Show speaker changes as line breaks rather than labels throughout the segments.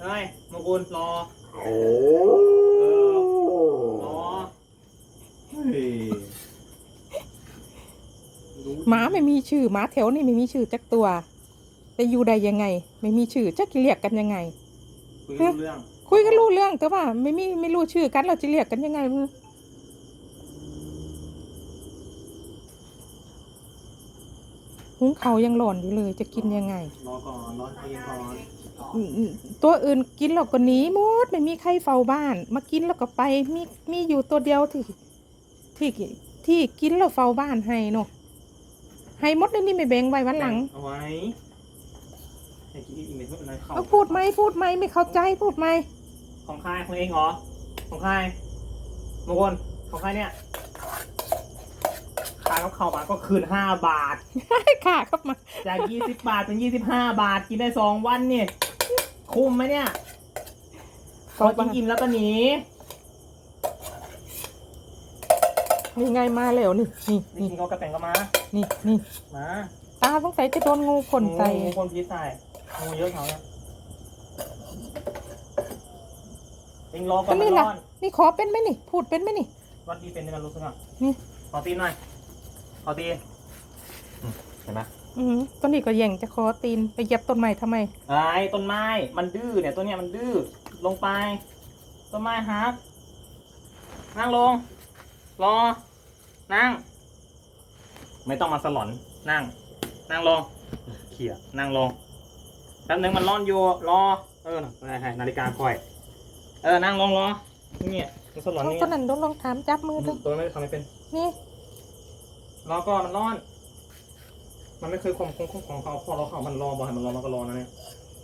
ฮ้ยมงกุลรอรอเฮ้ย
หมาไม่มีชื่อหมาแถวนี่ไม่มีชื่อจักตัวแต่อยู่ได้ยังไง ไม่มีชื่อจะเรียกกันยังไง
คุยรู้เรื่อง
คุยกันรู้เรื่องแต่ว่าไม่รู้ชื่อกันเราจะเรียกกันยังไงหุงเขาวยังหล่อนอยู่เลยจะกินยังไง
รอก่อนรอให้เขาเย็นก่อน
ตัวอื่นกินเราก็หนีหมดไม่มีใครเฝ้าบ้านมากินแล้วก็ไปมีอยู่ตัวเดียวที่กินแล้วเฝ้าบ้านให้เนาะให้หมดเลยนี่ไม่แบ่งไว้วันหลัง
เอาไว้ให้กินอีเมลอะไรเข้า
เอาพูดไหมไม่เข้าใจพูดไหม
ของใครของเองเหรอของใครมงคลของใครเนี่ยขายกับเขามาก็คืน5 บาท
ค่ะครับมา
จาก20 บาทเป็น25 บาทกินได้2 วันเนี่ยคุ้มไหมเนี่ยพอกินอิ่มแล้วก็หนี
นี่ไงมาแล้วนี่
นี่กินเขากระแต่งก็มา
นี่
มา
ตาสงสัยจะโดนงูพ่นใส่
งูคนพิษใส่งูเยอะเขาเนี่ยเองรอก่อ
ก็
นมัน
นี่
ร้
ล่ะ
อน
นี่ขอเป็นไหมนี่พูดเป็นไหมนี่
วัดดีเป็นในการรู้สึกอ่ะ
นี่
ขอตีนหน่อยขอตีเห็นไหม
ตัวนี้ก็แย่งจะขอตีนไปเหยียบต้นไม้ทำไม
ไอ้ต้นไม้มันดื้อเนี่ยตัวเนี้ยมันดื้อลงไปต้นไม้ฮักนั่งลงรอนั่งไม่ต้องมาสลอนนั่งลงเขี่ยนั่งลงแป๊บนึงมันร้อนอยู่รอให้นาฬิกาคอยนั่งลงรอเนี่ยมันสลอนนี่
ตัวนั้นโดนลองถามจับมือดู
ตัวไม่ทำไม่เป็น
นี่
รอก่อนมันร้อน มันไม่เคยคงของเขาพอเราเขามันรอบอกให้มันรอมันก็รอนะเนี่ย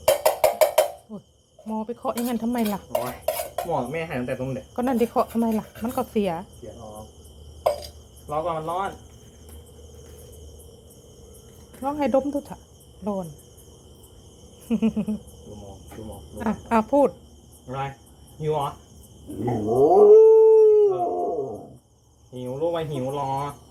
หมอไปเคาะอย่างนั้นทำไมล่ะ
โอ้ยหมอแม่หายตั้งแต่ตรงเด็ก
ก็นั่นไปเคาะทำไมล่ะ มันก็เสีย
เสียออกรอก่อนมันร้อน
ลองให้ดมดูเถอะโดน
ดูมอง
พูด
อะไรหิวเหรอหิวลูกไปหิวรอ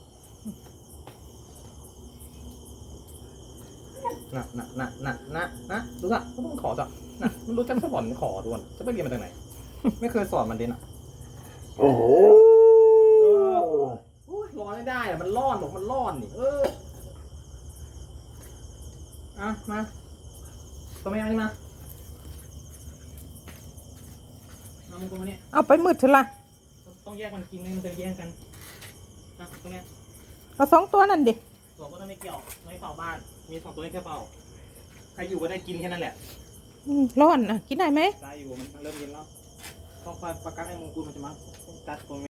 นะรู้จักก็ต้องขอจ้ะนะมันรู้จักสอนขอด่วนจะไปเรียนมาจากไหน ไม่เคยสอนมันเด่นอ่ะโอ้โหร้อนไม่ได้อะมันร้อนบอกมันร้อนนี่มาตัวแม่มานี่มามึงตัวมาเนี่ย
เอาไปมืดเถอะล่ะ
ต้องแยกมันกินมันจะแย่งกันตรงเนี้ย
เอา2 ตัวนั่นดิ
ตัวก็ต้องไม่เกี่ยวไม่เป่าบ้านมี2 ตัวนี้แค่เป่าใครอยู่ก็ได้กินแค่นั้นแหละ
ร้อนกินได้ไหม
ได้อยู่มันเริ่มเย็นแล้วต้องคอยประกันให้มึงกูมันจะมากัดตัว